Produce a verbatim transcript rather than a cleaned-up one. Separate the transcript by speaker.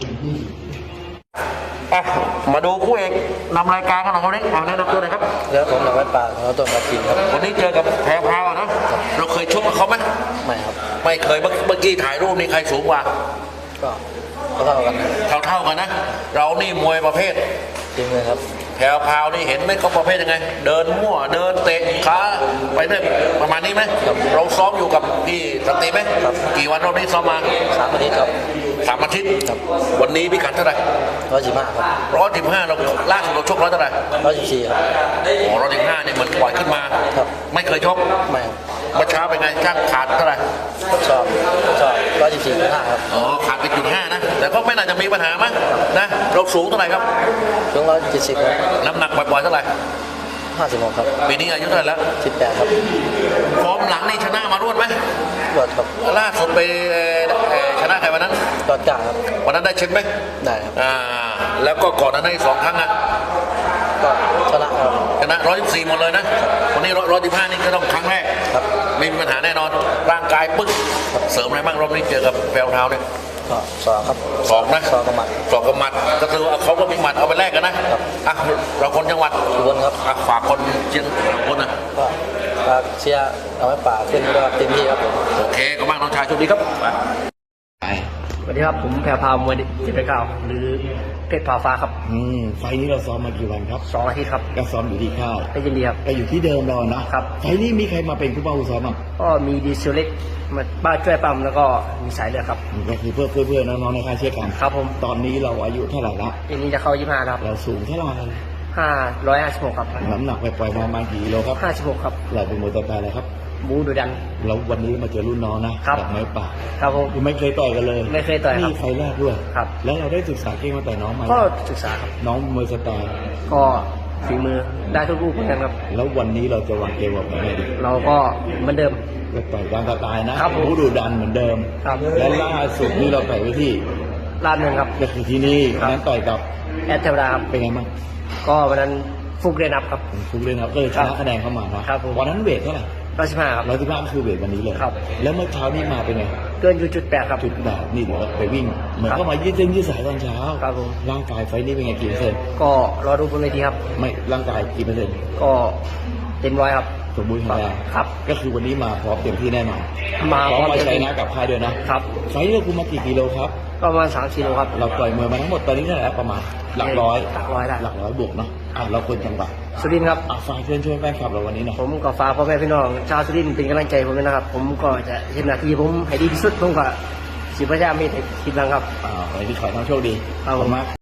Speaker 1: อ่ะมาดูคู่เอกนำรายการกันหน่อยครับนี่แนะนำตัวหน่อยครับ
Speaker 2: เรือผมหนักไว้ปากเขาตัวมากินครับ
Speaker 1: วันนี้เจอกับแพรพราวนะเราเคยชกกับเขาไหม
Speaker 2: ไม่ครับ
Speaker 1: ไม่เคยเมื่อกี้ถ่ายรูปนี่ใครสูงกว่า
Speaker 2: ก็เท่ากันนะ
Speaker 1: เท่าเท่ากันนะเรานี่มวยประเภท
Speaker 2: จริงเลยครับ
Speaker 1: แพรพราวนี่เห็นไหมเขาประเภทยังไงเดินมั่วเดินเตะขาไปเรื่อยประมาณนี้ไหมเราซ้อมอยู่กับพี่สันติไหมกี่วันเราได้ซ้อมมา
Speaker 2: สามอาทิตย์ครับ
Speaker 1: สามอาทิตย์วันนี้พิกัดเท่าไหร่
Speaker 2: ร้อยสิบห้าครับ
Speaker 1: ร้อยสิบห้าเราล่าสุดเราชกร้อยเท่าไหร่
Speaker 2: ร้อยสิบสี่ครับ
Speaker 1: อ๋อร้อยสิบห้าเนี่ยมันปล่อยขึ้นมา
Speaker 2: ครับ
Speaker 1: ไม่เคยชก
Speaker 2: ไม่ครับ
Speaker 1: เมื่อเช้าเป็นไงช่างขาดเท่าไหร่
Speaker 2: ชอบชอบร้อยสิบสี่จุดห้าครับ
Speaker 1: อ๋อขาดไปจุดห้านะแต่ก็ไม่น่าจะมีปัญหามั้งนะเราสูงเท่าไหร่ครับ
Speaker 2: ช่วงร้อยเจ็ดสิบครับ
Speaker 1: น้ำหนักปล่อยๆเท่าไหร่
Speaker 2: ห้าสิบหกครับ
Speaker 1: ปีนี้อายุเท่าไหร่แล้ว
Speaker 2: สิบแปดครับ
Speaker 1: ฟอร์มหลังนี่ชนะมารวดไหม
Speaker 2: รวดครับ
Speaker 1: ล่าสุดไปเอ่อเอ่อชนะใครวันนั้น
Speaker 2: รอดกลางครับ
Speaker 1: วันนั้นได้เช็คไหม
Speaker 2: ได้ครับ
Speaker 1: อ่าแล้วก็ก่อนนั้นได้สองครั้งนะ
Speaker 2: ก็ชนะครับ
Speaker 1: ชนะร้อยสิบสี่หมดเลยนะวันนี้ร้อยสิบห้านี่ก็ต้องครั้งแรก
Speaker 2: ครับ
Speaker 1: ไม่มีปัญหาแน่นอนร่างกายปึ๊กเสริมอะไรบ้างรอบนี้เจอกับแววเท้าเนี่ย
Speaker 2: ก็สองครับ
Speaker 1: สองนะ
Speaker 2: สองกับหมัด
Speaker 1: สองกับหมัดก็คือเอาเขาก็มีหมัดเอาไปแลกกันนะครับ อ่ะเราคนจังหวัด
Speaker 2: ทุกคนครับ
Speaker 1: อ่ะฝากคนเชียงคนนะ
Speaker 2: ก็ฝากเชียร์เอาไว้ป่ากขึ้นด้วยครับเต็มที่ครับผม
Speaker 1: โอเคก็บ้างน้องชายโชคดีครับไป
Speaker 3: สวัสดีครับผมแพรพาวมวยเจ็ดไปเก้าหรือเพชรพาฟ้าครับ
Speaker 4: อืมไฟล์นี้เราซ้อมมากี่วันครับ
Speaker 3: สองอาทิตย์ครับ
Speaker 4: ก็ซ้อมอยู่ที่ค่าย
Speaker 3: ได้ยินดีครับ
Speaker 4: ก็อยู่ที่เดิมเรานะครับ ไฟล์นี้มีใครมาเป็นผู้เป้าผู้ซ้อมบ้าง
Speaker 3: ก็มีดีเซลเล็กมาบ้านช่วยปั๊มแล้วก็มีสายเลือดครับ
Speaker 4: ก็คือเพื่อนเพื่อนๆน้องๆในค่ายเชื่อกัน
Speaker 3: ครับผม
Speaker 4: ตอนนี้เราอายุเท่าไหร่ละ
Speaker 3: อันนี้จะเข้ายี่ห้าครับ
Speaker 4: เราสูงเท่าไหร่
Speaker 3: ห้าร้อยห้าสิบหกครับ
Speaker 4: น้ำหนักไปปล่อยๆมาประมาณกี่กิโลครับ
Speaker 3: ห้าสิบหกครับ
Speaker 4: เราเป็นมวยตัวแปรอะไรครับ
Speaker 3: บูดูดัน
Speaker 4: แล้ววันนี้มาเจอรุ่นน้องนะครับ จากไม้ป่า
Speaker 3: ครับผม
Speaker 4: ยังไม่เคยต่อยกันเลย
Speaker 3: ไม่เคยต่อยครับ
Speaker 4: นี่ไฟล์แรกด้วย
Speaker 3: ครับ
Speaker 4: แล้วเราได้ศึกษาเก่งมาต่อยน้องไหม
Speaker 3: ก็ศึกษาครับ
Speaker 4: น้องมวยสไตล์
Speaker 3: ก็ฝีมือได้ทุกรูปเหมือนกันครับ
Speaker 4: แล้ววันนี้เราจะวางเกมแบบไหนดี
Speaker 3: เราก็เหมือนเดิม
Speaker 4: ก็ต่อยตามสไตล์นะครับ
Speaker 3: ผม
Speaker 4: ผู้ดุดันเหมือนเดิม
Speaker 3: ครับ
Speaker 4: และล่าสุดนี่เราต่อยไปที่
Speaker 3: ลาดเมืองครับ
Speaker 4: ก็คือที่นี่
Speaker 3: ครับ
Speaker 4: นั้นต่อยกับ
Speaker 3: แอดเทวดาครับ
Speaker 4: เป็นไงบ้าง
Speaker 3: ก็วันนั้นฟุกเรนับครับ
Speaker 4: ผมคุกเลยนะครับก็เลยชนะคะแนนเข้ามานะครับ
Speaker 3: ผม
Speaker 4: วันนั้นเวทเท่าไหร่
Speaker 3: ร้อยสิบห้าครับ
Speaker 4: ร้อยสิบห้าก็คือเวทวันนี้เลย
Speaker 3: ครับ
Speaker 4: แล้วเมื่อเช้านี่มาเป็นไง
Speaker 3: เกินอยู่จุดแปดครับ
Speaker 4: จุดแบบนี่เดี๋ยวไปวิ่ง เหมือน
Speaker 3: ครับ
Speaker 4: ก็มายืดเส้นยืดสายตอนเช้า
Speaker 3: ครับผม
Speaker 4: ร่างกายไฟนี่เป็นไงกี่เปอร์เซ็นต์
Speaker 3: ก็รอดูบนเวทีครับ
Speaker 4: ไม่ร่างกายกี่เปอร์เซ็นต์
Speaker 3: ก็เต็มร้อยครับ
Speaker 4: สมบูรณ์แข็งแรง
Speaker 3: ครับ
Speaker 4: ก็คือวันนี้มาพร้อมเต็มที่แน่นอน
Speaker 3: มา
Speaker 4: พร้อมมา
Speaker 3: เต็ม
Speaker 4: ใช้
Speaker 3: ที่
Speaker 4: นะกับค่ายด้วยนะครับ ไฟนี่เราคุมมากี่กิโลครับ
Speaker 3: ก็ประมาณสามกิโลครับ
Speaker 4: เราต่อยมวยมาทั้งหมดตอนนี้เท่าไหร่แล้วประมาณหลักร้อย
Speaker 3: หลักร้อยได้
Speaker 4: หลักร้อยบวกเนาะอ่ะเราคนจังหวัด
Speaker 3: สุรินทร์ครับ
Speaker 4: อ่ะฝากเชิญชวนแฟนคลับเราวันนี้หน่อย
Speaker 3: ผมก็ฝากพ่อแม่พี่น้องชาวสุรินทร์เป็นกำลังใจผมด้วยนะครับ ผมก็จะเห็นหน้าที่ผมให้ดีที่สุดผมก็สิพยายามให้ถึงทีมหลังครับ
Speaker 4: อ่าวันนี้ขอให้น้องโชคดี
Speaker 3: ครับผม
Speaker 4: มาก